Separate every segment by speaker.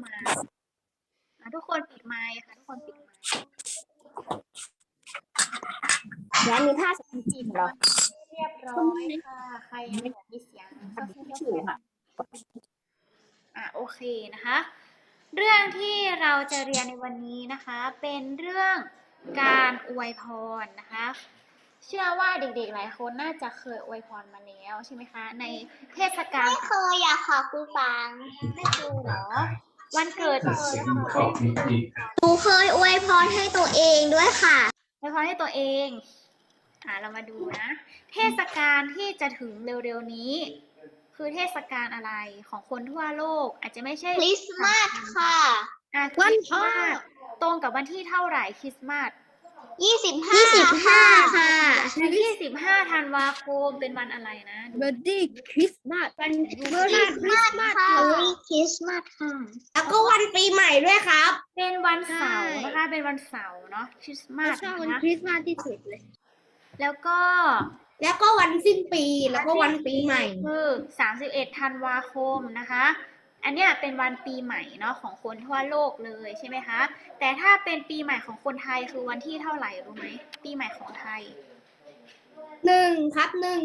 Speaker 1: มาทุกคนปิดไมค์ค่ะทุกคนปิดไมค์
Speaker 2: แล้วมีท่าสกิจีเหรอ
Speaker 1: เรียบร้อยค่ะใครยังไม่มีเสียงก็สู้ๆค่ะโอเคนะคะ เรื่องที่เราจะเรียนในวันนี้นะคะเป็นเรื่องการอวยพรนะคะเชื่อว่าเด็กๆหลายคนน่าจะเคยอวยพรมาแล้วใช่ไหมคะในเทศกาล
Speaker 2: ไม่เคยอยากขอครูฟัง
Speaker 1: ไม่เคยเหรอวันเกิด
Speaker 2: หนูเคยอวยพรให้ตัวเองด้วยค่ะ
Speaker 1: อวยพรให้ตัวเองเรามาดูนะเทศกาลที่จะถึงเร็วๆนี้คือเทศกาลอะไรของคนทั่วโลกอาจจะไม่ใช่
Speaker 2: คริสต์มาสค่ะ
Speaker 1: คริสต์มาสตรงกับวันที่เท่าไหร่คริสต์มาส
Speaker 2: 25 ค่ะ
Speaker 1: 25 ธันวาคมเป็นวันอะไรนะ
Speaker 3: Merry Christmas
Speaker 2: วันคริสต์มาสค่ะคริสต์มาสค่ะ
Speaker 3: แล้วก็วันปีใหม่ด้วยครับ
Speaker 1: เป็นวันเสาร์นะคะเป็นวันเสาร์เนาะคริสต์มาส
Speaker 3: ชอบวัน
Speaker 1: นะ
Speaker 3: คริสต์มาสที่สุดเลย
Speaker 1: แล้วก็
Speaker 3: วันสิ้นปีแล้วก็วันปีใหม่
Speaker 1: คือ31 ธันวาคมนะคะอันเนี้ยเป็นวันปีใหม่เนาะของคนทั่วโลกเลยใช่ไหมคะแต่ถ้าเป็นปีใหม่ของคนไทยคือวันที่เท่าไหร่รู้ไหมปีใหม่ของไทย
Speaker 3: 1 ครับ 1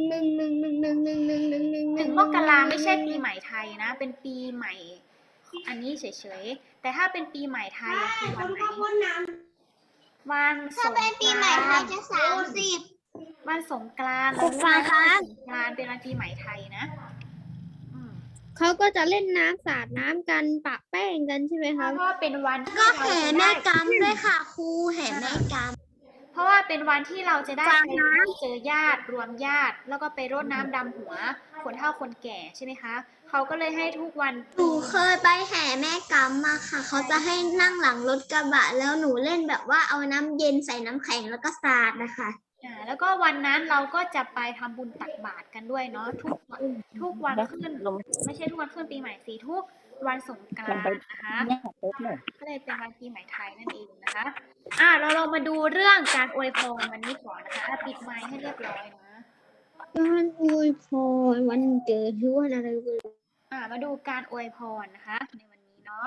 Speaker 1: 1 มกราไม่ใช่ปีใหม่ไทยนะเป็นปีใหม่อันนี้เฉยๆแต่ถ้าเป็นปีใหม่ไทยคือวันไหนวันส
Speaker 2: ถ้าง เป็นปีใหม่ไทยจะ30
Speaker 1: วันสงกรานต์
Speaker 2: ครูฟังคะ
Speaker 1: สงกรานต์เป็นวันปีใหม่ไทยนะ
Speaker 3: เขาก็จะเล่นน้ำสาดน้ำกันปะแป้งกันใช่ไหม
Speaker 1: เพ
Speaker 3: คะ
Speaker 1: ราะว่าเป็นวันที่
Speaker 2: ก็
Speaker 1: เรา
Speaker 2: แห่
Speaker 1: จะ
Speaker 2: แม่
Speaker 1: ได้
Speaker 2: กำด้วยค่ะครูแห่แม่กำ
Speaker 1: เพราะว่าเป็นวันที่เราจะได้
Speaker 2: ฟัง
Speaker 1: ไป
Speaker 2: นะ
Speaker 1: เจอญาติรวมญาติ แล้วก็ไปรดน้ำดำหัวคนเฒ่าคนแก่ใช่ไหมคะเขาก็เลยให้ทุกวัน
Speaker 2: หนูเคยไปแห่แม่กำมาค่ะ เขาจะให้นั่งหลังรถกระบะแล้วหนูเล่นแบบว่าเอาน้ำเย็นใส่น้ำแข็งแล้วก็สาดนะคะ
Speaker 1: แล้วก็วันนั้นเราก็จะไปทำบุญตักบาตรกันด้วยเนาะทุกวันขึ้นไม่ใช่ทุกวันขึ้นปีใหม่สิทุกวันสงกรานต์นะคะก็เลยเป็นวันปีใหม่ไทยนั่นเองนะคะเราลองมาดูเรื่องการอวยพรวันนี้ก่อนนะคะปิดไมค์ให้เรียบร้อยนะ
Speaker 3: การอวยพรวันเกิดหรือวันอะไรก็
Speaker 1: มาดูการอวยพรนะคะในวันนี้เนาะ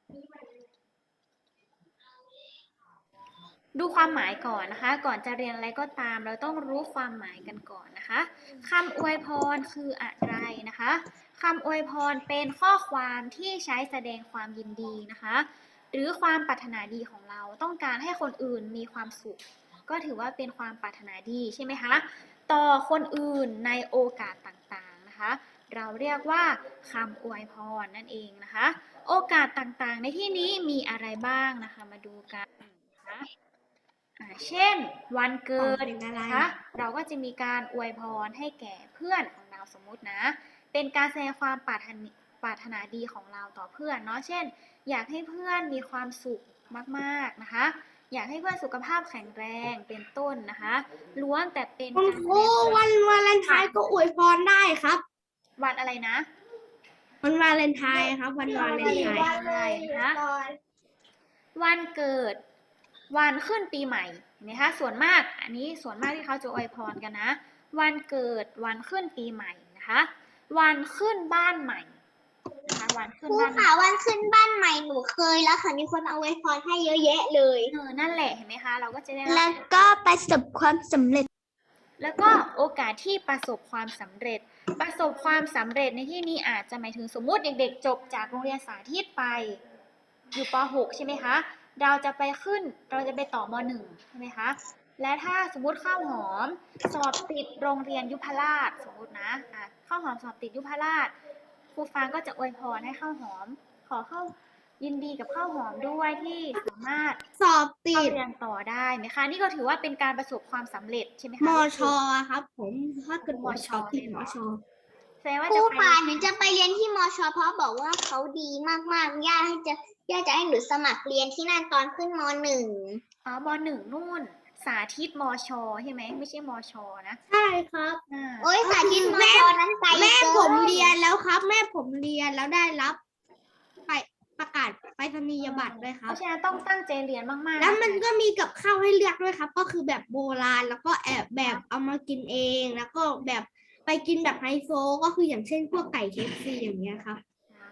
Speaker 1: ดูความหมายก่อนนะคะก่อนจะเรียนอะไรก็ตามเราต้องรู้ความหมายกันก่อนนะคะคำอวยพรคืออะไรนะคะคำอวยพรเป็นข้อความที่ใช้แสดงความยินดีนะคะหรือความปรารถนาดีของเราต้องการให้คนอื่นมีความสุขก็ถือว่าเป็นความปรารถนาดีใช่ไหมคะต่อคนอื่นในโอกาสต่างๆนะคะเราเรียกว่าคำอวยพรนั่นเองนะคะโอกาสต่างๆในที่นี้มีอะไรบ้างนะคะมาดูกันนะคะเช่นวันเกิดนะคะเราก็จะมีการอวยพรให้แก่เพื่อนของเราสมมุตินะเป็นการแสดงความปรารถนาดีของเราต่อเพื่อนเนาะเช่นอยากให้เพื่อนมีความสุขมากๆนะคะอยากให้เพื่อนสุขภาพแข็งแรงเป็นต้นนะคะล้วนแต่เป็น
Speaker 3: คุณครูวันวาเลนไทน์ก็อวยพรได้ครับ
Speaker 1: วันอะไรนะ
Speaker 3: วันวาเลนไทน์ครับวันวาเลนไทน์
Speaker 1: นะคะวันเกิดวันขึ้นปีใหม่เห็นไหมคะส่วนมากอันนี้ส่วนมากที่เขาจะอวยพรกันนะวันเกิดวันขึ้นปีใหม่นะคะวันขึ้นบ้านใหม่นะคะวันขึ้น
Speaker 2: ครู
Speaker 1: บ้านใหม่
Speaker 2: ค่ะวันขึ้นบ้านใหม่หนูเคยแล้วค่ะมีคนมาอวยพรให้เยอะแยะเลย
Speaker 1: นั่นแหละเห็นไหมคะเราก็จะได้
Speaker 2: แล้วก็ประสบความสำเร็จ
Speaker 1: แล้วก็โอกาสที่ประสบความสำเร็จประสบความสำเร็จในที่นี้อาจจะหมายถึงสมมุติเด็กๆจบจากโรงเรียนสาธิตไปอยู่ป .6 ใช่ไหมคะเราจะไปต่อม .1 ใช่ไหมคะและถ้าสมมุติข้าวหอมสอบติดโรงเรียนยุพราชสมมุตินะข้าวหอมสอบติดยุพราชครูฟางก็จะอวยพรให้ข้าวหอมขอเข้ายินดีกับข้าวหอมด้วยที่สามารถ
Speaker 3: สอบติ
Speaker 1: เข้า
Speaker 3: ด
Speaker 1: เรียนต่อได้ไหมคะนี่ก็ถือว่าเป็นการประสบความสำเร็จใช่ไหมคะ
Speaker 3: มชครับ ผมถ้าเกิดสอบติดมช
Speaker 1: แสดงว่า
Speaker 2: ครู
Speaker 1: จะไป
Speaker 2: ค่ะหนูจะไปเรียนที่มชเพราะบอกว่าเขาดีมากๆย่าจะให้หนูสมัครเรียนที่นั่นตอนขึ้นม .1
Speaker 1: ม .1 นู่นสาธิตมชใช่ไหมไม่ใช่มชนะ
Speaker 3: ใช่ครับ
Speaker 2: โอ้ยสาธิตมชนั้นไกล
Speaker 3: แม่
Speaker 2: เกิน
Speaker 3: ผมเรียนแล้วครับ แม่ผมเรียนแล้วได้รับไปประกาศไปรษณียบัตรด้วยค
Speaker 1: เพ
Speaker 3: รับ
Speaker 1: ราะฉะนั้นต้องตั้งใจเรียนมากๆ
Speaker 3: แล้วมันก็มีกับข้าวให้เลือกด้วยครับ ก็คือแบบโบราณแล้วก็แอบแบบเอามากินเองแล้วก็แบบไปกินแบบไฮโซก็คืออย่างเช่นพวกไก่เคฟซีอย่างเงี้ยครับ
Speaker 1: ครับ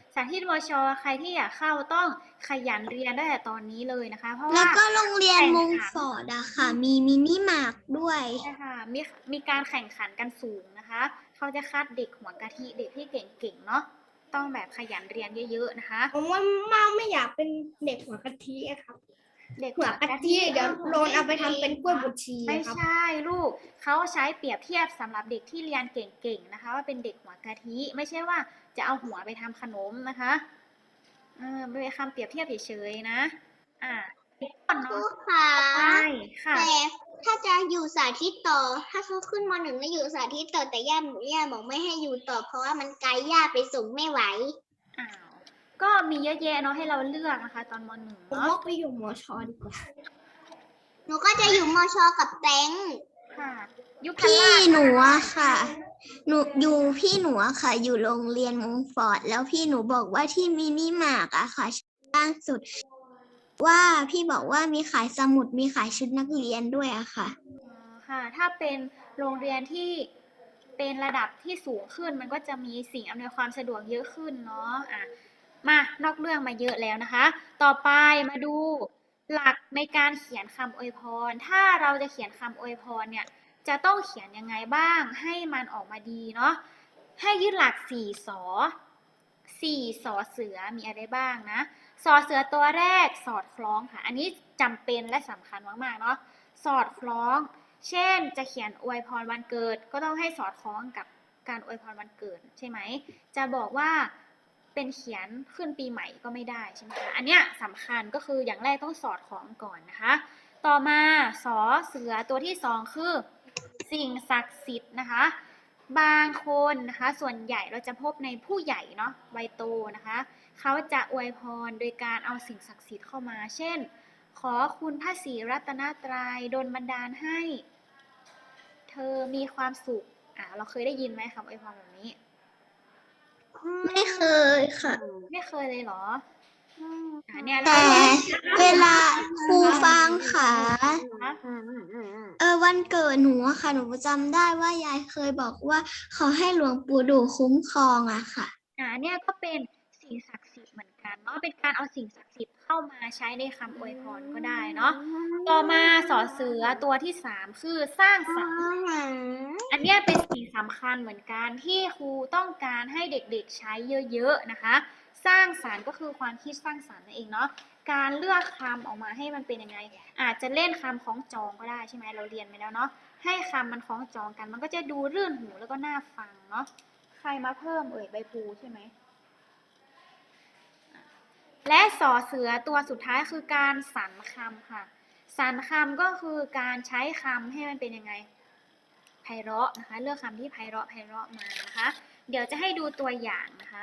Speaker 1: สาธิตวชใครที่อยากเข้าต้องขยันเรียนตั้งแต่ตอนนี้เลยนะคะ เพราะ
Speaker 2: แล้ว
Speaker 1: ว่า
Speaker 2: ก็โรงเรียน
Speaker 1: แข่ง
Speaker 2: มง
Speaker 1: ขัน
Speaker 2: ฟอร์ดอะค่ะ มีมินิมาร์ทด้วย
Speaker 1: ใช่ค่ะมีการแข่งขันกันสูงนะคะ เขาจะคัดเด็กหัวกะทิเด็กที่เก่งๆเนาะต้องแบบขยันเรียนเยอะๆนะคะ
Speaker 3: ผมว่าไม่อยากเป็นเด็กหัวกะทิอะครับ
Speaker 1: เด็ก
Speaker 3: หัวกะทิเดี๋ยวโดนเอาไปทำเป็นกล้วยบดชี
Speaker 1: ไม่
Speaker 3: ครับ
Speaker 1: ใช่ลูกเขาใช้เปรียบเทียบสำหรับเด็กที่เรียนเก่งๆนะคะ ว่าเป็นเด็กหัวกะทิไม่ใช่ว่าจะเอาหัวไปทำขนมนะคะเป็นคำเปรียบเทียบเฉยๆนะก่อน
Speaker 2: ครู
Speaker 1: เนาะ
Speaker 2: ค่ะ
Speaker 1: ใช่ค่ะ
Speaker 2: แต่ถ้าจะอยู่สาธิตต่อ ถ้าเขาขึ้นม .1 แล้วอยู่สาธิตต่อแต่ย่าบอกไม่ให้อยู่ต่อ เพราะว่ามันไกลย่าไปส่งไม่ไหว
Speaker 1: อ้าวก็มีเยอะแยะเนาะให้เราเลือกนะคะ ตอนม .1
Speaker 3: ผม
Speaker 1: เนาะ
Speaker 3: ว่าไปอยู่มชดีกว่า
Speaker 2: หนูก็จะอยู่มชกับแตง
Speaker 1: ค่ะยุคพ
Speaker 2: พี่
Speaker 1: ลาด
Speaker 2: หนูอะค่ะ พี่หนูอะค่ะ อยู่โรงเรียนมงฟอร์ด แล้วพี่หนูบอกว่าที่มินิมาร์ทอะค่ะล่าสุด ว่าพี่บอกว่ามีขายสมุดมีขายชุดนักเรียนด้วยอะค่ะ
Speaker 1: ค่ะ ถ้าเป็นโรงเรียนที่เป็นระดับที่สูงขึ้น มันก็จะมีสิ่งอำนวยความสะดวกเยอะขึ้นเนาะมานอกเรื่องมาเยอะแล้วนะคะ ต่อไปมาดูหลักในการเขียนคำอวยพร ถ้าเราจะเขียนคำอวยพรเนี่ย จะต้องเขียนยังไงบ้างให้มันออกมาดีเนาะ ให้ยึดหลัก4 สอ 4 สอเสือมีอะไรบ้างนะ สอเสือตัวแรกสอดคล้องค่ะ อันนี้จำเป็นและสำคัญมากๆเนาะ สอดคล้อง เช่นจะเขียนอวยพรวันเกิด ก็ต้องให้สอดคล้องกับการอวยพรวันเกิดใช่ไหม จะบอกว่าเป็นเขียนขึ้นปีใหม่ก็ไม่ได้ใช่ไหมคะ อันเนี้ยสำคัญก็คืออย่างแรกต้องสอดคล้องก่อนนะคะ ต่อมาสอเสือตัวที่สองคือสิ่งศักดิ์สิทธิ์นะคะ บางคนนะคะส่วนใหญ่เราจะพบในผู้ใหญ่เนาะวัยโตนะคะเขาจะอวยพรโดยการเอาสิ่งศักดิ์สิทธิ์เข้ามา เช่น ขอคุณพระศรีรัตนตรัยดลบันดาลให้ เธอมีความสุขเราเคยได้ยินไหมคำอวยพรแบบนี้
Speaker 2: ไม่เคยค่ะ
Speaker 1: ไม่เคยเลยเหรอเนี่ย
Speaker 2: แต่เวลาครูฟังค่ะ
Speaker 1: นะคะ
Speaker 2: วันเกิดหนูอะค่ะ หนูจำได้ว่ายายเคยบอกว่าขอให้หลวงปู่ดูคุ้มครองอะค่ะ
Speaker 1: เนี่ยก็เป็นสิ่งศักดิ์สิทธิ์เหมือนกันเนาะเป็นการเอาสิ่งศักดิ์สิทธิ์เข้ามาใช้ในคำอวยพรก็ได้เนาะต่อมาสอเสือตัวที่3คือสร้างสรรค์อันเนี้ยเป็นสิ่งสำคัญเหมือนกันที่ครูต้องการให้เด็กๆใช้เยอะๆนะคะ สร้างสรรค์ก็คือความคิดสร้างสรรค์นั่นเองเนาะการเลือกคำออกมาให้มันเป็นยังไงอาจจะเล่นคำคล้องจองก็ได้ใช่ไหมเราเรียนไปแล้วเนาะให้คำมันคล้องจองกันมันก็จะดูรื่นหูแล้วก็น่าฟังเนาะใครมาเพิ่มใบพลูใช่ไหมและสอเสือตัวสุดท้ายคือการสรรคำค่ะสรรคำก็คือการใช้คำให้มันเป็นยังไงไพเราะนะคะเลือกคำที่ไพเราะมานะคะเดี๋ยวจะให้ดูตัวอย่างนะคะ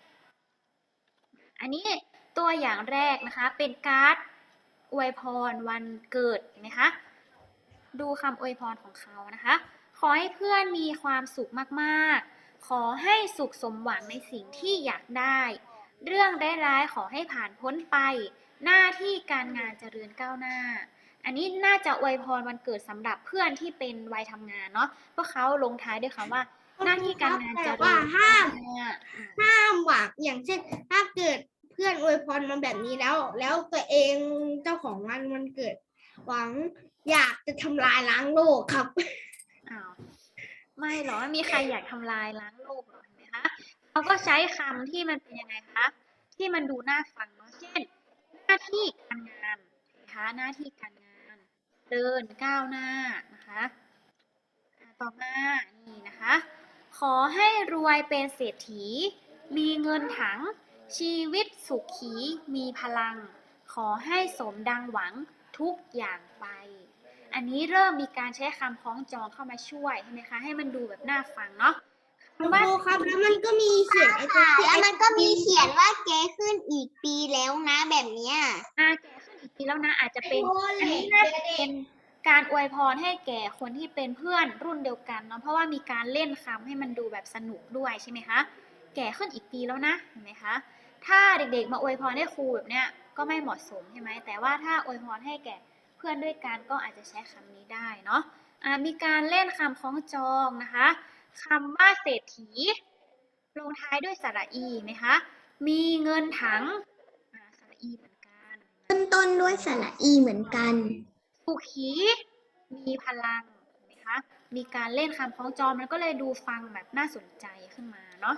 Speaker 1: อันนี้ตัวอย่างแรกนะคะเป็นการ์ดอวยพรวันเกิดเห็นไหมคะดูคำอวยพรของเขานะคะขอให้เพื่อนมีความสุขมากๆขอให้สุขสมหวังในสิ่งที่อยากได้เรื่องร้ายๆขอให้ผ่านพ้นไปหน้าที่การงานเจริญก้าวหน้าอันนี้น่าจะอวยพรวันเกิดสำหรับเพื่อนที่เป็นวัยทำงานเนาะเพราะเขาลงท้ายด้วยคำว่าหน้าที่การงานเจริญ
Speaker 3: ว่าห้าม
Speaker 1: ก้าวหน้า
Speaker 3: ห้ามหวังอย่างเช่น ถ้าเกิดเพื่อนอวยพรมาแบบนี้แล้วตัวเองเจ้าของวันเกิด หวังอยากจะทำลายล้างโลกครับ
Speaker 1: อ้าวไม่หรอไม่มีใครอยากทำลายล้างโลกหรอเห็นไหมคะเขาก็ใช้คำที่มันเป็นยังไงคะที่มันดูน่าฟังเนาะเช่น หน้าที่การงานนะคะหน้าที่การงานเดินก้าวหน้านะคะต่อมานี่นะคะขอให้รวยเป็นเศรษฐีมีเงินถังชีวิตสุขีมีพลัง ขอให้สมดังหวังทุกอย่างไป อันนี้เริ่มมีการใช้คำคล้องจองเข้ามาช่วยใช่ไหมคะให้มันดูแบบน่าฟังเนาะ
Speaker 3: ครูครับแล้วมันก็มีเขียนไอ้ตัว
Speaker 2: แล้วมันก็มีเขียนว่าแกขึ้นอีกปีแล้วนะแบบเนี้ย
Speaker 1: แก่ขึ้นอีกทีแล้วนะอาจจะเป็นอันนี้น่าจะเป็นการอวยพรให้แก่คนที่เป็นเพื่อนรุ่นเดียวกันเนาะเพราะว่ามีการเล่นคำให้มันดูแบบสนุกด้วยใช่ไหมคะแก่ขึ้นอีกปีแล้วนะเห็นไหมคะถ้าเด็กๆมาอวยพรให้ครูแบบเนี้ยก็ไม่เหมาะสมใช่ไหมแต่ว่าถ้าอวยพรให้แก่เพื่อนด้วยกันก็อาจจะใช้คำนี้ได้เนาะมีการเล่นคำคล้องจองนะคะคำว่าเศรษฐีลงท้ายด้วยสระอีไหมคะมีเงินถังสระอีเหมือนกัน
Speaker 2: ขึ้นต้นด้วยสระอีเหมือนกัน
Speaker 1: สุขีมีพลังเห็นไหมคะ มีการเล่นคำคล้องจองมันก็เลยดูฟังแบบน่าสนใจขึ้นมาเนาะ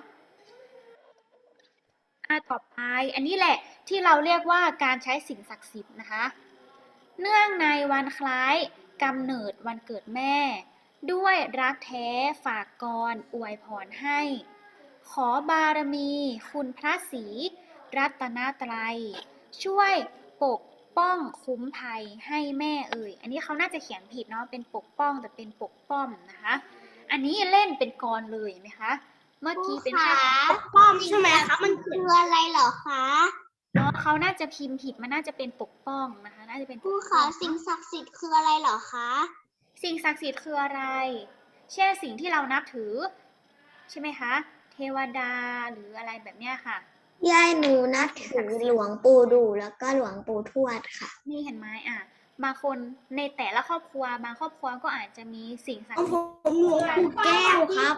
Speaker 1: ต่อไปอันนี้แหละที่เราเรียกว่าการใช้สิ่งศักดิ์สิทธิ์นะคะ เนื่องในวันคล้ายกำเนิดวันเกิดแม่ ด้วยรักแท้ฝากกรอวยพรให้ ขอบารมีคุณพระศรีรัตนตรัย ช่วยปกป้องคุ้มภัยให้แม่เอ่ย อันนี้เขาน่าจะเขียนผิดเนาะเป็นปกป้องแต่เป็นปกป้อมนะคะ อันนี้เล่นเป็นกรเลยไหมคะ เมื่อกี้เป็นแค่
Speaker 3: ป้อมใช่ไหมคะมัน
Speaker 2: คืออะไรเหรอคะ
Speaker 1: เนาะเขาน่าจะพิมพ์ผิดมันน่าจะเป็นปกป้องนะคะ น่าจะเป็น
Speaker 2: ครูคะสิ่งศักดิ์สิทธิ์คืออะไรเหรอคะ
Speaker 1: สิ่งศักดิ์สิทธิ์คืออะไร เช่นสิ่งที่เรานับถือใช่ไหมคะ เทวดาหรืออะไรแบบเนี้ยค่ะ
Speaker 2: ยายหนูนับถือหลวงปู่ดูแล้วก็หลวงปู่ทวดค่ะ
Speaker 1: นี่เห็นไหมบางคนในแต่ละครอบครัวบางครอบครัวก็อาจจะมีสิ่งศัก
Speaker 3: ขอ
Speaker 1: ดิ์
Speaker 3: ง
Speaker 1: สิ
Speaker 3: ผ
Speaker 1: ทธิ์
Speaker 3: มหลวงปู่แก้วครับ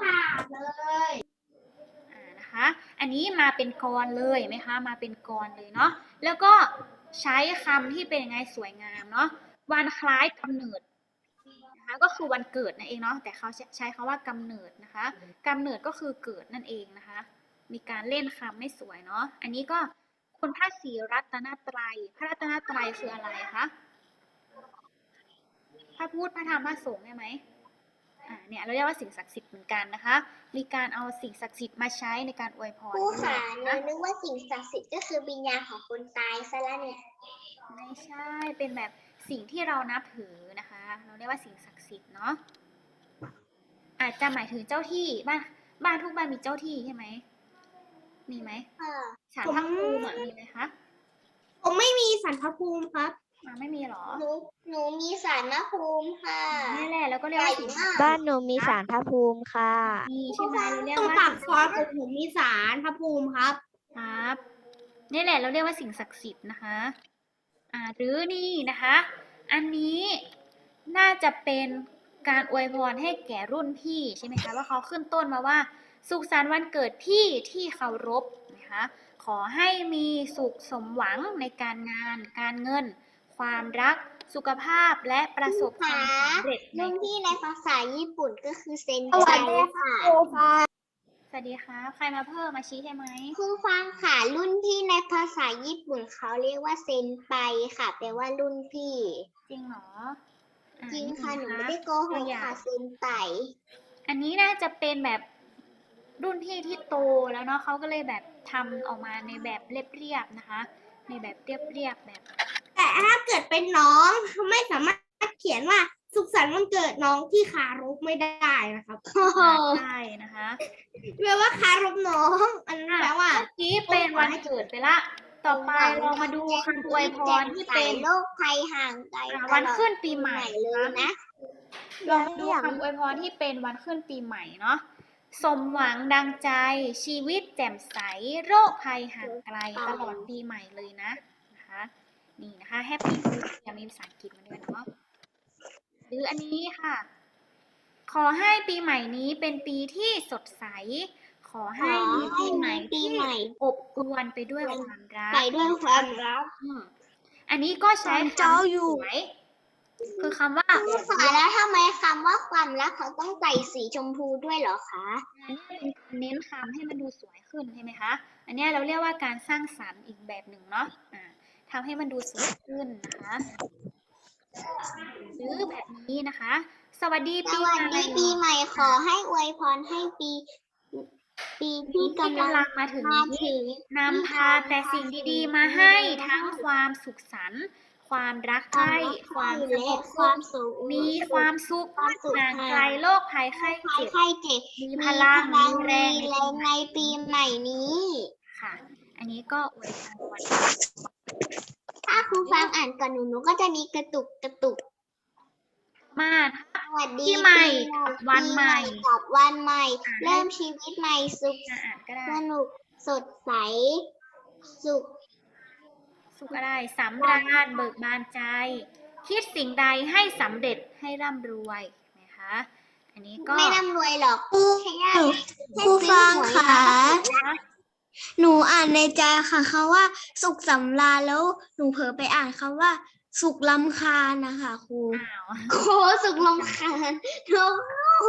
Speaker 1: นะคะ อันนี้มาเป็นกรเลยไหมคะ มาเป็นกรเลยเนาะ แล้วก็ใช้คำที่เป็นยังไงสวยงามเนาะ วันคล้ายกำเนิดนะคะก็คือวันเกิดนั่นเองเนาะ แต่เขาใช้คำว่ากำเนิดนะคะกำเนิดก็คือเกิดนั่นเองนะคะ มีการเล่นคำไม่สวยเนาะ อันนี้ก็คุณพระศรีรัตนตรัย พระรัตนตรัยคืออะไรคะ พระพุทธพระธรรมพระสงฆ์ใช่ไหมเนี่ยเราเรียกว่าสิ่งศักดิ์สิทธิ์เหมือนกันนะคะ มีการเอาสิ่งศักดิ์สิทธิ์มาใช้ในการอวยพร
Speaker 2: ครูค่ะหนู
Speaker 1: นะ
Speaker 2: นึกว่าสิ่งศักดิ์สิทธิ์ก็คือวิญญาณของคนตายซะแล้วเนี่ย
Speaker 1: ไม่ใช่ เป็นแบบสิ่งที่เรานับถือนะคะ เราเรียกว่าสิ่งศักดิ์สิทธิ์เนาะ อาจจะหมายถึงเจ้าที่บ้านทุกบ้านมีเจ้าที่ใช่ไหม มีไหมศาลพระภูมิมีไหมคะ
Speaker 3: ผมไม่มีสันพระภูมิครับ
Speaker 1: ไม่มีหรอ
Speaker 2: หนูมีศาลพระภูมิค่ะ
Speaker 1: นี่แหละแล้วก็เรียกว่าสิ่งศักดิ์สิทธิ์
Speaker 4: บ้านหนูมีศาลพระภูมิค่ะ
Speaker 1: มีใช่ไหมเราเรียก
Speaker 3: ตรง
Speaker 1: ว่า
Speaker 3: ปากซอยของผมมีสารพระภูมิครับ
Speaker 1: ครับนี่แหละเราเรียกว่าสิ่งศักดิ์สิทธิ์นะคะหรือนี่นะคะ อันนี้น่าจะเป็นการอวยพรให้แก่รุ่นพี่ใช่ไหมคะว่าเขาขึ้นต้นมาว่า สุขสันต์วันเกิดพี่ที่เคารพนะคะขอให้มีสุขสมหวังในการงานการเงิน ความรักสุขภาพและประสบความสำเร็จใน
Speaker 2: รุ่นพี่ในภาษาญี่ปุ่นก็คือเซน
Speaker 3: สวั
Speaker 2: ไจ
Speaker 3: สดี
Speaker 2: ค่ะ
Speaker 1: สวัสดีค่ะใครมาเพิ่มมาชี้ใช่ไหม
Speaker 2: ครูฟังค่ะรุ่นพี่ในภาษาญี่ปุ่นเขาเรียกว่าเซนไปค่ะแปลว่ารุ่นพี่
Speaker 1: จริงเหรอ
Speaker 2: จริงค่ะหนู
Speaker 1: นี่
Speaker 2: ไม่
Speaker 1: น
Speaker 2: ได้โกห
Speaker 1: ตัว
Speaker 2: ก
Speaker 1: อย่าง
Speaker 2: ค่ะเซนไป
Speaker 1: อันนี้น่าจะเป็นแบบรุ่นพี่ที่โตแล้วเนาะเขาก็เลยแบบทำออกมาในแบบเรียบๆนะคะ ในแบบเรียบๆแบบ
Speaker 3: แต่ถ้าเกิดเป็นน้องไม่สามารถเขียนว่าสุขสันต์วันเกิดน้องที่คารพไม่ได้นะครับ
Speaker 1: ใช่นะคะ
Speaker 3: แปลว่าคารพน้องอันนั้นแปลว่า
Speaker 1: เมื่อกี้เป็นวันเกิดไปละ ต่อไปเรามาดูคำอวยพรที่เป็น
Speaker 2: โรคภัยห่างไกล
Speaker 1: วันขึ้นปีใหม่
Speaker 2: เลยนะ
Speaker 1: ลองดูคำอวยพรที่เป็นวันขึ้นปีใหม่เนาะสมหวังดังใจชีวิตแจ่มใสโรคภัยห่างไกลตลอดปีใหม่เลยนะคะนี่นะคะแฮปปี้นิวเยียร์มีภาษาอังกฤษมาด้วยเนาะหรืออันนี้ค่ะ ขอให้ปีใหม่นี้เป็นปีที่สดใส ขอให้มีปีใหม่ที่อบอวลไปด้วยความรัก
Speaker 2: ไปด้วยความรัก
Speaker 1: อันนี้ก็ใช้คำ
Speaker 4: เจ้าอยู่
Speaker 1: สวยคือคำว่า
Speaker 2: ครูค่ะแล้วทำไมคำว่าความรักเขาต้องใส่สีชมพูด้วยเหรอคะ
Speaker 1: อันนี้เป็นการเน้นคำให้มันดูสวยขึ้นใช่ไหมคะ อันนี้เราเรียกว่าการสร้างสรรค์อีกแบบหนึ่งเนาะทำให้มันดูสวยขึ้นนะคะ หรือแบบนี้นะคะ สวัสดี
Speaker 2: ส
Speaker 1: ปี
Speaker 2: วัส
Speaker 1: ใหม่
Speaker 2: ดีปีใหม่ขอให้อวยพรให้ปีที่กำลัง
Speaker 1: มาถึง
Speaker 2: มา
Speaker 1: นี้
Speaker 2: ถึง
Speaker 1: นำพาแต่สิ่งดีๆมาให้ทั้งความสุขสันต์ความรักใคร่ความส
Speaker 2: และ
Speaker 1: งบ
Speaker 2: ความสุข
Speaker 1: มีความสุขห่างไกลโรคภัยไข้เจ็บ
Speaker 2: ไข้เจ็บ
Speaker 1: มีพลังมีแรง
Speaker 2: มีแรงในปีใหม่นี้
Speaker 1: ค่ะ อันนี้ก็อวยพรวัน
Speaker 2: ถ้าครูฟังอ่านก่อนหนูก็จะมีกระตุก
Speaker 1: มา
Speaker 2: สวัสดี
Speaker 1: ปีใหม่กับวันใหม่
Speaker 2: กับวันใหม่ เริ่มชีวิตใหม่สุข
Speaker 1: อ่านก็ได้
Speaker 2: สนุกสดใสสุข
Speaker 1: สุขอะไรสำราญเบิกบานใจ คิดสิ่งใดให้สำเร็จให้ร่ำรวยนะคะ อันนี้ก็
Speaker 2: ไม่ร่ำรวยหรอกแค่
Speaker 4: ครูฟังค่ะ
Speaker 2: หนูอ่านในใจค่ะคำว่าสุขสำราญแล้วหนูเผลอไปอ่านคำว่าสุขรำคาญนะคะครู
Speaker 1: อ้าว
Speaker 3: โคสุกลงคานน้อง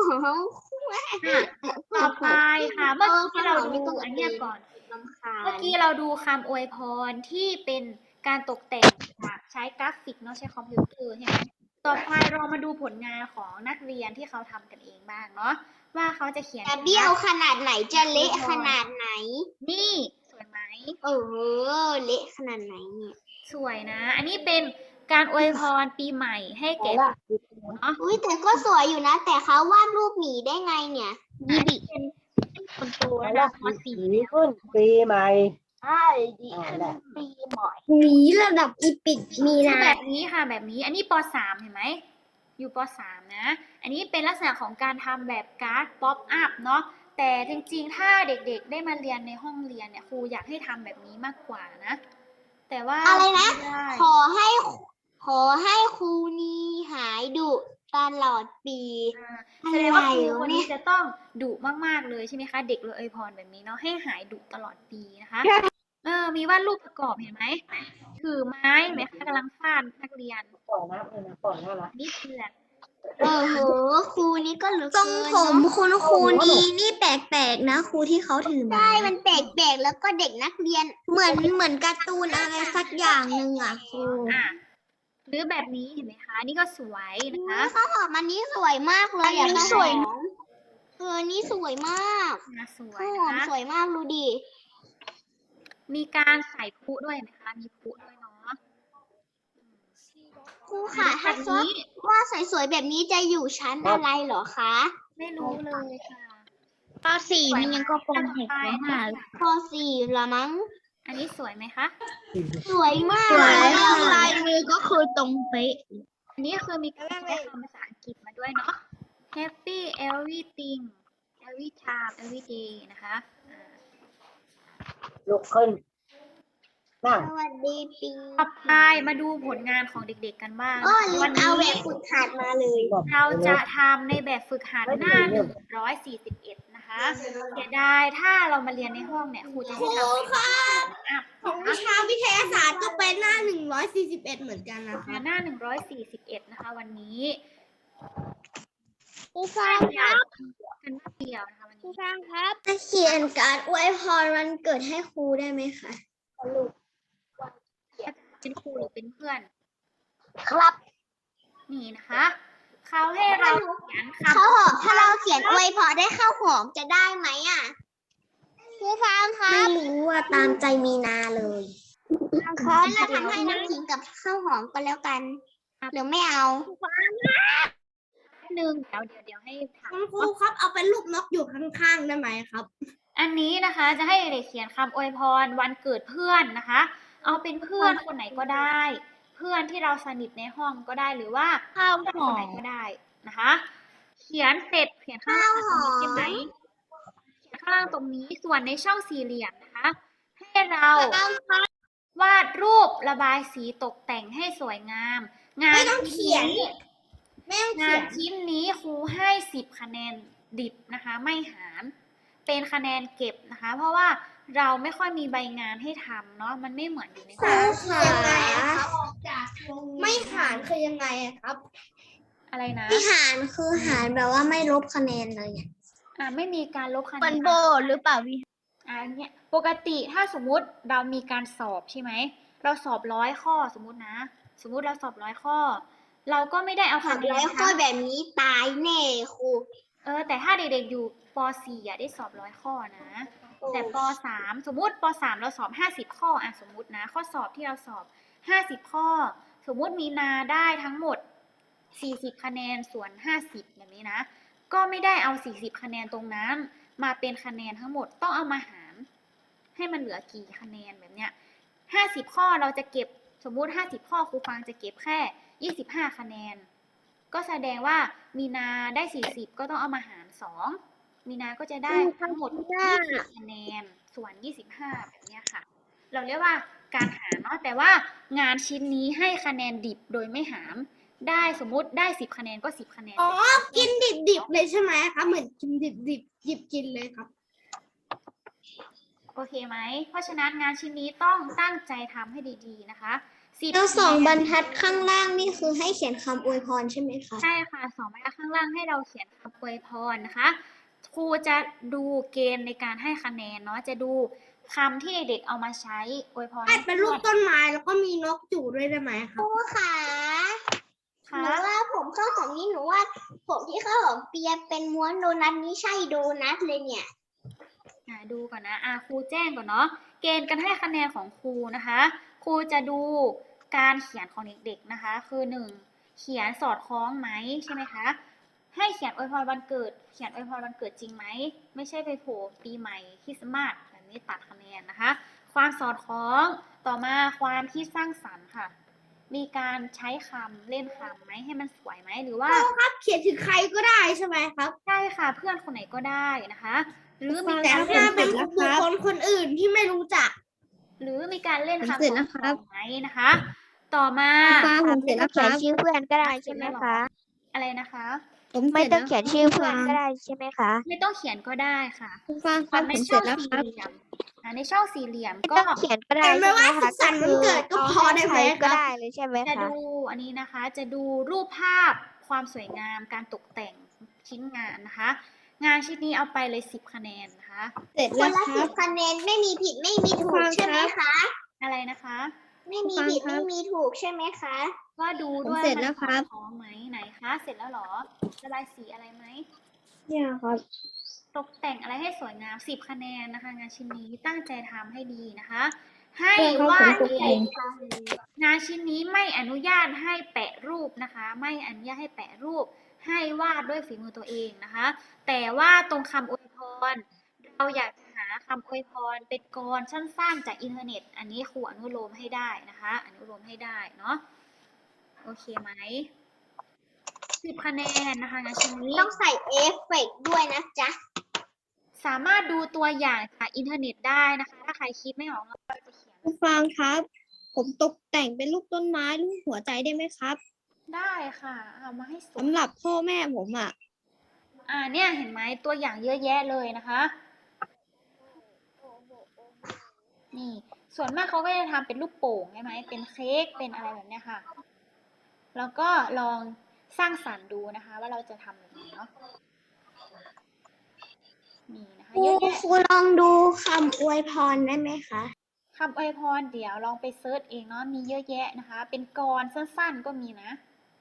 Speaker 1: ต่อไปค่ะ เมื่อกี้เราดูอันเนี้ยก่อน
Speaker 3: ลำคา
Speaker 1: เมื่อ
Speaker 3: ญ
Speaker 1: กี้เราดูคำอวยพรที่เป็นการตกแต่งจากใช้กราฟิกเนาะใช้คอมพิวเตอร์ใช่ไหมต่อไปเรามาดูผลงานของนักเรียนที่เขาทำกันเองบ้างเนาะว่าเขาจะเขียน
Speaker 3: จะเบี้ยวขนาดไหนจะเละขนาดไหน
Speaker 1: นี่สวยไหม
Speaker 3: เละขนาดไหนเนี่ย
Speaker 1: สวยนะ อันนี้เป็นการอวยพรปีใหม่ให้แก่เนาะ
Speaker 3: อุ้ยแต่ก็สวยอยู่นะ แต่เขาวาดรูปหมีได้ไงเนี่ย
Speaker 1: อันนี้เป็นคนโตนะคะม .4 แล้ว
Speaker 5: ขึ้นปีใหม่
Speaker 3: ใช่ดี
Speaker 5: นั่นแหละ
Speaker 3: ปีหมอยหมีระดับอีปิกมี
Speaker 1: คือ
Speaker 3: นะ
Speaker 1: แบบนี้ค่ะแบบนี้อันนี้ป .3 เห็นไหมอยู่ป .3 นะ อันนี้เป็นลักษณะของการทำแบบการ์ดป๊อปอัพเนาะแต่จริงๆ ถ้าเด็กๆได้มาเรียนในห้องเรียนเนี่ยครูอยากให้ทำแบบนี้มากกว่านะ แต่ว่า
Speaker 3: อะไรนะ
Speaker 1: ไม่ได้
Speaker 3: ขอให้ครูนี้หายดุตลอดปี
Speaker 1: แสดงว่าครู
Speaker 3: อะไรวะ
Speaker 1: คนนี้จะต้องดุมากๆเลยใช่ไหมคะ เด็กเลยอวยพรแบบนี้เนาะให้หายดุตลอดปีนะคะ มีวาดรูปประกอบเห็นไหมถือไม้เห็นไหมคะกำลังฟาดนักเรียน
Speaker 5: ก่อนนะก่อนนะละ
Speaker 1: นี่เพื่อน
Speaker 3: ครูนี้ก็เหลือ
Speaker 2: ทรง
Speaker 3: เกิน
Speaker 2: ผม
Speaker 3: เนอะ
Speaker 2: คุณครูนี่แปลกๆนะครูที่เขาถือมา
Speaker 3: ใช่มันแปลกๆแล้วก็เด็กนักเรียน
Speaker 2: เหมือนการ์ตูนอะไรสักอย่างหนึ่งอ่ะครู
Speaker 1: อ่ะหรือแบบนี้เห็นไหมคะ นี่ก็สวยนะคะ
Speaker 3: ข้าวหอมอันนี้สวยมากเลย
Speaker 2: อันนี้สวย
Speaker 3: นี่สวยมาก
Speaker 1: สวย
Speaker 3: ข้าวห
Speaker 1: นะ
Speaker 3: อม
Speaker 1: คะ
Speaker 3: สวยมากดูดิ
Speaker 1: มีการใส่พลุด้วยเห็นไหมคะ มีพลุด้วยเนาะ
Speaker 3: ครูค่ะ
Speaker 1: แบ
Speaker 3: ถ้า
Speaker 1: บ
Speaker 3: ซอ
Speaker 1: นี้
Speaker 3: ว่าสวยๆแบบนี้จะอยู่ชั้นอะไรเหรอคะ
Speaker 1: ไม่รู้เลยค่ะ
Speaker 2: ป .4 นี่ยังก็ป
Speaker 1: ต่อไปนะคะ
Speaker 3: ป .4 ละมั้ง
Speaker 1: อันนี้สวยไหมคะ
Speaker 3: สวยมาก
Speaker 2: สวย
Speaker 3: เลย
Speaker 2: ค่ะ
Speaker 3: ลายมือก็คือตรงเป๊ะ
Speaker 1: อันนี้คือมีการใช้คำภาษาอังกฤษมาด้วยเนาะ Happy everything every time every day นะคะอ่า
Speaker 5: ลุกขึ้น นั่ง
Speaker 3: สวัสดีปี
Speaker 1: ต่อไปมาดูผลงานของเด็กๆกันบ้าง
Speaker 3: ก็ลื
Speaker 1: วั
Speaker 3: ม
Speaker 1: น
Speaker 3: เอา
Speaker 1: นี้
Speaker 3: แบบฝึกหัดมาเลย
Speaker 1: เราจะทำในแบบฝึกหัดหน้า 141 นะคะเสียดายถ้าเรามาเรียนในห้องเนี่ยครูจะให้ทำเป็นอัพ
Speaker 3: ของวิชาวิทยาศาสตร์ก็เป็นหน้า 141 เหมือนกันนะคะ
Speaker 1: หน้า 141 นะคะ วันนี้
Speaker 3: ครูฟังครับ
Speaker 1: กันหน้าเดียวนะคะวัน
Speaker 3: ครู
Speaker 1: นี้
Speaker 3: ฟังครับ
Speaker 2: จะเขียนการ์ดอวยพรวันเกิดให้ครูได้ไหมคะ
Speaker 1: เป็นครูหรือเป็นเพื่อน
Speaker 3: ครับ
Speaker 1: นี่นะคะ เขาให้เราเขียนคำ
Speaker 3: ข้าวหอมถ้าเราเขียนอวยพรได้ข้าวหอมจะได้ไหมอ่ะครูฟังครั
Speaker 2: ไม่
Speaker 3: บ
Speaker 2: รู้ว่าตามใจมีนาเลย
Speaker 3: งั้นเราทำให้น้ำขิงกับข้าวหอมก็แล้วกันหรือไม่เอา
Speaker 1: หนึ่งเดี๋ยวให้ถาม
Speaker 3: คุณครูครับเอาเป็นรูปนกอยู่ข้างๆได้ไหมครับ
Speaker 1: อันนี้นะคะจะให้เด็กเขียนคำอวยพรวันเกิดเพื่อนนะคะ เอาเป็นเพื่อนคนไหนก็ได้ เพื่อนที่เราสนิทในห้องก็ได้หรือว่า
Speaker 2: ข้าว
Speaker 1: เพื่อน
Speaker 2: ห
Speaker 1: ค
Speaker 2: อน
Speaker 1: ไหน
Speaker 2: ม
Speaker 1: ก็ได้นะคะ เขียนเสร็จเขียนข้างล่างตรงนี้ใช่ไหมเขียนข้างล่างตรงนี้ส่วนในช่องสี่เหลี่ยมนะคะ ให้เราวาดรูประบายสีตกแต่งให้สวยงาม งาน
Speaker 3: ไม่ต้องเขียน
Speaker 1: ชิ้นนี้
Speaker 3: ไม่ต้อง
Speaker 1: งา
Speaker 3: เขียน
Speaker 1: นชิ้นนี้ครูให้10 คะแนนดิบนะคะ ไม่หาร เป็นคะแนนเก็บนะคะ เพราะว่าเราไม่ค่อยมีใบงานให้ทำเนาะมันไม่เหมือนอยู่ในห้อง
Speaker 3: คือยังไงอะครับไม่หารคือยังไงอะครับ
Speaker 1: อะไรนะ
Speaker 2: ที่หารคือหารแบบว่าไม่ลบคะแนนเลยเนี่ย
Speaker 1: ไม่มีการลบคะแนน
Speaker 3: มันโบหรือเปล่าพี่
Speaker 1: เนี่ยปกติถ้าสมมุติเรามีการสอบใช่ไหมเราสอบ100 ข้อสมมุตินะ สมมุติเราสอบ100 ข้อ เราก็ไม่ได้เอา
Speaker 3: ขั
Speaker 1: คะ
Speaker 3: บ
Speaker 1: แน
Speaker 3: ร้อน ยข้อแบบนี้ตายแน่ครู
Speaker 1: แต่ถ้าเด็กๆอยู่ป .4 ได้สอบ100 ข้อนะ แต่ป .3 สมมุติป .3 เราสอบ50 ข้อสมมุตินะ ข้อสอบที่เราสอบ50 ข้อ สมมุติมีนาได้ทั้งหมด40 คะแนนส่วน50แบบนี้นะ ก็ไม่ได้เอา40 คะแนนตรงนั้น มาเป็นคะแนนทั้งหมดต้องเอามาหาร ให้มันเหลือกี่คะแนนแบบเนี้ย50 ข้อเราจะเก็บสมมุติ50 ข้อครูฟังจะเก็บแค่25 คะแนน ก็แสดงว่ามีนาได้40ก็ต้องเอามาหาร2มีนาก็จะได้ทั้งหมด20 คะแนนส่วน25แบบเนี้ยค่ะ เราเรียกว่าการหารเนาะแต่ว่างานชิ้นนี้ให้คะแนนดิบโดยไม่หาร ได้สมมุติได้10 คะแนนก็10 คะแนน
Speaker 3: อ๋อ กินดิบๆเลยใช่ไหมครับ เหมือนกินดิบๆหยิบกินเลยครับ
Speaker 1: โอเคไหม เพราะฉะนั้นงานชิ้นนี้ต้องตั้งใจทำให้ดีๆนะคะ10
Speaker 2: แล้ว2
Speaker 1: คะแนน
Speaker 2: บรรทัดข้างล่างนี่คือให้เขียนคำอวยพรใช่ไหมคะ
Speaker 1: ใช่ค่ะ2 บรรทัดข้างล่างให้เราเขียนคำอวยพรนะคะ ครูจะดูเกณฑ์ในการให้คะแนนเนาะ จะดูคำที่เด็กเอามาใช้อวยพร
Speaker 3: ให้เป็นรูปต้นไม้แล้วก็มีนกจู่ด้วยได้ไหมค
Speaker 2: ครับ รูค่ะห
Speaker 1: ค่ะ
Speaker 2: นูว่าผมข้าวหอมนี่หนูว่าผมที่ข้าวหอมเปียเป็นม้วนโดนัทนี่ใช่โดนัทเลยเนี่ย
Speaker 1: ดูก่อนนะครูแจ้งก่อนเนาะ เกณฑ์การให้คะแนนของครูนะคะ ครูจะดูการเขียนของเด็กๆนะคะ คือ 1. เขียนสอดคล้องไหมใช่ไหมคะ ให้เขียนอวยพรวันเกิด เขียนอวยพรวันเกิดจริงไหม ไม่ใช่ไปโผล่ปีใหม่คริสต์มาสแบบนี้ตัดคะแนนนะคะ ความสอดคล้อง ต่อมาความคิดสร้างสรรค์ค่ะ มีการใช้คำเล่นคำไหมให้มันสวยไหมหรือว่า
Speaker 3: รับเขียนถึงใครก็ได้ใช่ไหมครับ
Speaker 1: ใช่ค่ะเพื่อนคนไหนก็ได้นะคะ หรือมี
Speaker 3: แต่
Speaker 1: การ
Speaker 3: ถ้าเป็นบุคคลคนอื่นที่ไม่รู้จัก
Speaker 1: หรือมีการเล่น
Speaker 2: ผม
Speaker 1: คำ
Speaker 2: เสร็จแล้วครับ
Speaker 1: ไหมนะคะ ต่อมา
Speaker 2: ผมเสร็จแล้วค
Speaker 4: เขีย
Speaker 2: รั
Speaker 4: น
Speaker 2: บ
Speaker 4: ชื่อเพื่อนก็ได้ใช่ไหมคะ
Speaker 1: อะไรนะคะ
Speaker 2: ผมเส
Speaker 4: ไม่
Speaker 2: ร็จ
Speaker 4: ต้
Speaker 2: แล้
Speaker 4: อง
Speaker 2: ว
Speaker 4: เขียนชื่อเพื่อนก็ได้ใช่ไหมคะ
Speaker 1: ไม่ต้องเขียนก็ได้ค่ะ
Speaker 2: คุณฟังครับ
Speaker 1: ใน
Speaker 2: ผมเส
Speaker 1: ช่
Speaker 2: ร็
Speaker 1: อ
Speaker 2: จ
Speaker 1: ง
Speaker 2: แล้วค
Speaker 1: สี่
Speaker 2: รับ
Speaker 1: เหลี่ยมในช่องสี่เหลี่ยม
Speaker 4: ไม่
Speaker 1: ก็
Speaker 4: ต้องเขียนก็ได้
Speaker 3: แต่ไม่
Speaker 4: ใช่ไหม
Speaker 3: ว่า
Speaker 4: คะ
Speaker 3: สุขสันต์วันเกิดก็พอได้ไหม
Speaker 4: ใคร
Speaker 3: ค
Speaker 4: ก็
Speaker 3: รับ
Speaker 4: ได้เลยใช่ไหม
Speaker 1: จะ
Speaker 4: คะ
Speaker 1: ดูอันนี้นะคะ จะดูรูปภาพความสวยงามการตกแต่งชิ้นงานนะคะ งานชิ้นนี้เอาไปเลย10 คะแนนนะคะ
Speaker 2: เสร็จ
Speaker 6: ค
Speaker 2: แล้
Speaker 6: น
Speaker 2: ว
Speaker 6: ละ
Speaker 2: ค
Speaker 6: สิ
Speaker 2: รั
Speaker 6: บบ คะแนนไม่มีผิดไม่มีถูก
Speaker 2: ฟัง
Speaker 6: ใช่ไหม
Speaker 2: ครับ
Speaker 6: คะ
Speaker 1: อะไรนะคะ
Speaker 6: ไม่มี
Speaker 2: ฟัง
Speaker 6: ผิด
Speaker 2: ครับ
Speaker 6: ไม่มีถูกใช่ไหมคะ
Speaker 1: ก็ดูด้วย
Speaker 2: ผมเสร็จแล้วครับ
Speaker 1: มันสอดคล้องไหมไหนคะ เสร็จแล้วเหรอระบายสีอะไรไหม
Speaker 2: เนี่ยครับ
Speaker 1: ตกแต่งอะไรให้สวยงาม10 คะแนนนะคะ งานชิ้นนี้ตั้งใจทำให้ดีนะคะ ให้
Speaker 2: เรื่องเขา
Speaker 1: วาด
Speaker 2: ผมตก
Speaker 1: เอ
Speaker 2: แต่
Speaker 1: ง
Speaker 2: ง
Speaker 1: งานชิ้นนี้ไม่อนุญาตให้แปะรูปนะคะ ไม่อนุญาตให้แปะรูป ให้วาดด้วยฝีมือตัวเองนะคะ แต่ว่าตรงคำอวยพร เราอยากจะหาคำอวยพรเป็นกรสั้นๆจากอินเทอร์เน็ต อันนี้ครูอนุโลมให้ได้นะคะ อนุโลมให้ได้เนาะโอเคไหม10 คะแนนนะคะงานชิ้นนี้
Speaker 6: ต้องใส่เอฟเฟกต์ด้วยนะจ๊ะ
Speaker 1: สามารถดูตัวอย่างจากอินเทอร์เน็ตได้นะคะ ถ้าใครคิดไม่ออกเราจะเขียน
Speaker 2: คุณฟังครับ ผมตกแต่งเป็นรูปต้นไม้รูปหัวใจได้ไหมครับ
Speaker 1: ได้ค่ะ เอามาให้สวย
Speaker 2: สำหรับพ่อแม่ผมอ่ะ
Speaker 1: เนี่ยเห็นไหมตัวอย่างเยอะแยะเลยนะคะ นี่ส่วนมากเขาก็จะทำเป็นรูปโป่งใช่ไหมเป็นเค้กเป็นอะไรแบบเนี้ยค่ะ แล้วก็ลองสร้างสรรค์ดูนะคะ ว่าเราจะทำแบบไหนเนาะนี่นะคะ
Speaker 2: ครู
Speaker 1: เยอะแยะ
Speaker 2: ครูลองดูคำอวยพรได้ไหมคะ
Speaker 1: คำอวยพรเดี๋ยวลองไปเซิร์ชเองเนาะมีเยอะแยะนะคะ เป็นกรสั้นๆก็มีนะ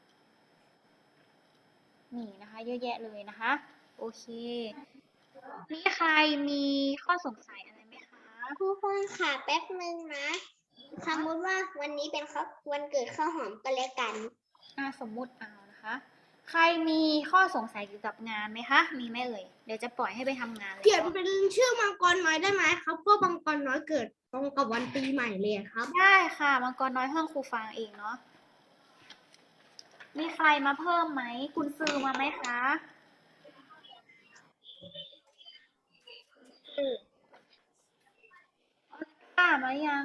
Speaker 1: นี่นะคะ เยอะแยะเลยนะคะ โอเคมีใครมีข้อสงสัยอะไรไหมคะ
Speaker 6: ครูฟังค่ะแป๊บนึงนะสมมติว่าวันนี้เป็นวันเกิดข้าวหอมก็แล้วกัน
Speaker 1: สมมุติเอานะคะ ใครมีข้อสงสัยเกี่ยวกับงานไหมคะ มีไหมเอ่ย เดี๋ยวจะปล่อยให้ไปทำงานเลย
Speaker 3: เขียนเป็นชื่อมังกรน้อยได้ไหมครับเพราะมังกรน้อยเกิดตรงกับวันปีใหม่เลยครับ
Speaker 1: ได้ค่ะมังกรน้อยห้องครูฟังเองเนาะ มีใครมาเพิ่มไหม คุณซื้อมาไหมคะป้ามายัง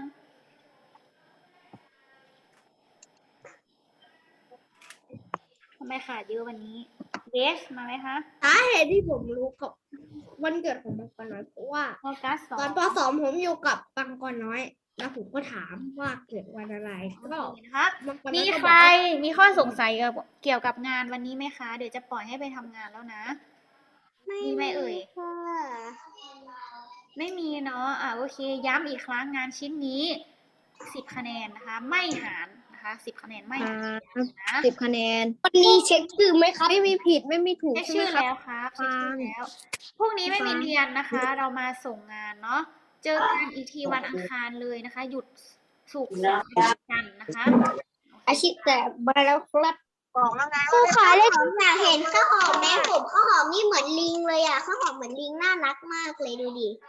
Speaker 1: ทำไมขาดเยอะวันนี้เบสมาไหมคะ
Speaker 3: สาเหตุที่ผมรู้กับวันเกิดของมังกรน้อยเพราะว่า
Speaker 1: ออกัสสอ
Speaker 3: ตอน
Speaker 1: ง
Speaker 3: ป .2 ผมอยู่กับมังกรน้อย แล้วผมก็ถามว่าเกิดวันอะไรก็
Speaker 1: นะคะ
Speaker 3: มังกรน้
Speaker 1: มี
Speaker 3: อยก็
Speaker 1: ใค
Speaker 3: บ
Speaker 1: ร
Speaker 3: อกว่า
Speaker 1: มีข้อสงสัยเกี่ยวกับงานวันนี้ไหมคะ เดี๋ยวจะปล่อยให้ไปทำงานแล้วนะ มีไหมเอ่ย
Speaker 6: ค่ะ
Speaker 1: ไม่มีเนาะโอเค ย้ำอีกครั้งงานชิ้นนี้10 คะแนนนะคะ ไม่หารนะคะ10 คะแนนไม่หารนะ
Speaker 2: 10 คะแนน
Speaker 3: วันนี้เช็คชื่อไหมครับ ไม่มีผิดไม่มีถูก
Speaker 1: เช็ค
Speaker 3: ใช่
Speaker 1: ชื่
Speaker 3: ไหม
Speaker 1: อ
Speaker 3: ครับ
Speaker 1: แล้วครับเช็คชื่อแล้ว พรุ่งนี้ไม่มีเรียนนะคะ เรามาส่งงานเนาะ เจอกันอีกทีวันอังคารเลยนะคะ หยุดศุกร์เสาร์อาทิตย์กันนะคะ
Speaker 3: อาชีพแต่มาแล้วครับ
Speaker 6: บอกแล้วไงครูขาได้ผมอยากเห็นข้าวหอมแม่ผมข้าวหอมนี่เหมือนลิงเลยอ่ะข้าวหอมเหมือนลิงน่ารักมากเลยดูดิ